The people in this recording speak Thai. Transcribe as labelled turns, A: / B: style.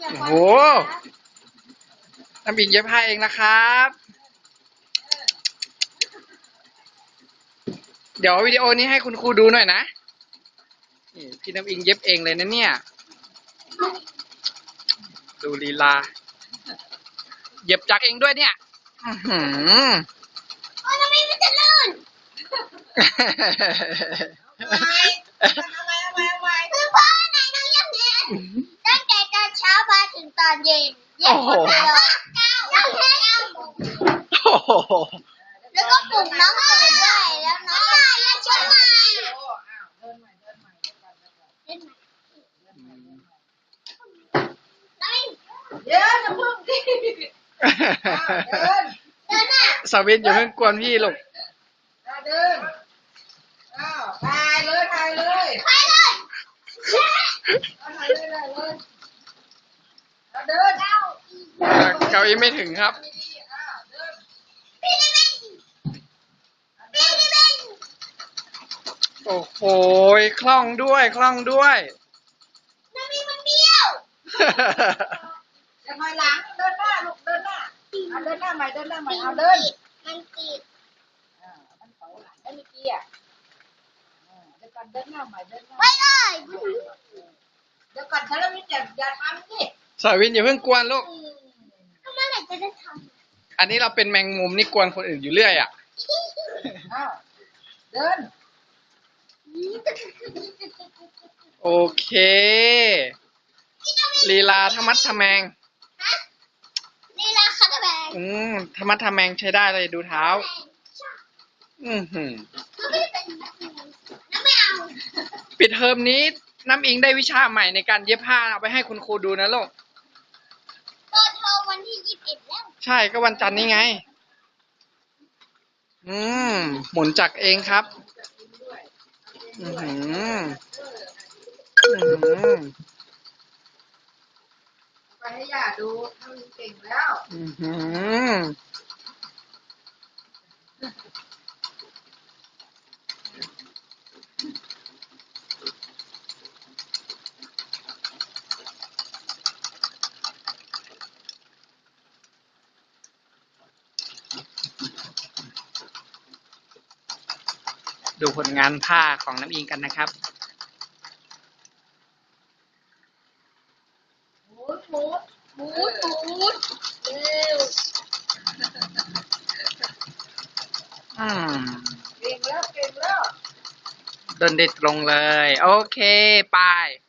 A: โอ้โหน้ำอิงเย็บผ้าเองนะครับ เดี๋ยววิดีโอนี้ให้คุณครูดูหน่อยนะนี่พี่น้ำอิงเย็บเองเลยนะเนี่ยดูลีลาเย็บจักเองด้วยเนี่ยโอ้ยทำไมมันจะลื่น
B: คือพ่อไหนน้องยังเย็นตั้งแต่ตอนเช้ามาถึงตอนเย็นเย็นหมดเลยแล้วก็ปลุกน้องตื่นด้วยแล้วน้องก็ช่วยมา
C: เดี๋ยวจะพึ่งดิ
B: เดินน่ะ
A: สาวินอย่าเพิ่งกวนพี่ลูก
C: เดินถ่ายเลยถ่ายเลย
B: ไปเลย
C: ถ่ายเลยเดิน
A: เก้าอี้ไม่ถึงครับโอ้โหคล่องด้วยคล่องด้วย
B: น้ำมีมันเบี้ยว
C: จะมาหลังเดินหน้าลูกเดินหน้าเดินหน้าใหม่เอาเดิน
B: มันติด
C: มันเสาหลังได้เมื่อกี้เดี๋ยวก่อนเดินหน้าใหม่เดินหน้า
B: ไปเลย
C: เดี๋ยวก่อนฉันแล้วนี่อย่าทำสิ
A: สาวินอย่าเพิ่งกวนลูก
B: ก็เมื่อไหร่จะได้ทำ
A: อันนี้เราเป็นแมงมุมนี่กวนคนอื่นอยู่เรื่อยอ่ะ
C: เดิน
A: โอเคลีลาธรรมัดทะแมง
B: ลีลาคัตแบง
A: ธรรมัดทะแมงใช้ได้เลยดูเท้า
B: น้ำไม่เอา
A: ปิดเทอมนี้น้ำอิงได้วิชาใหม่ในการเย็บผ้าเอาไปให้คุณครูดูนะลูก
B: เปิดเทอมวันที่21แล้ว
A: ใช่ก็วันจันทร์นี้ไงหมุนจักรเองครับ
C: ไปให้ย่าดูทำเก่งแล้ว
A: ดูผลงานผ้าของน้ำอิงกันนะครับ
C: หมุนเร็วเก่งแล้ว
A: เดินได้ตรงเลยโอเคไป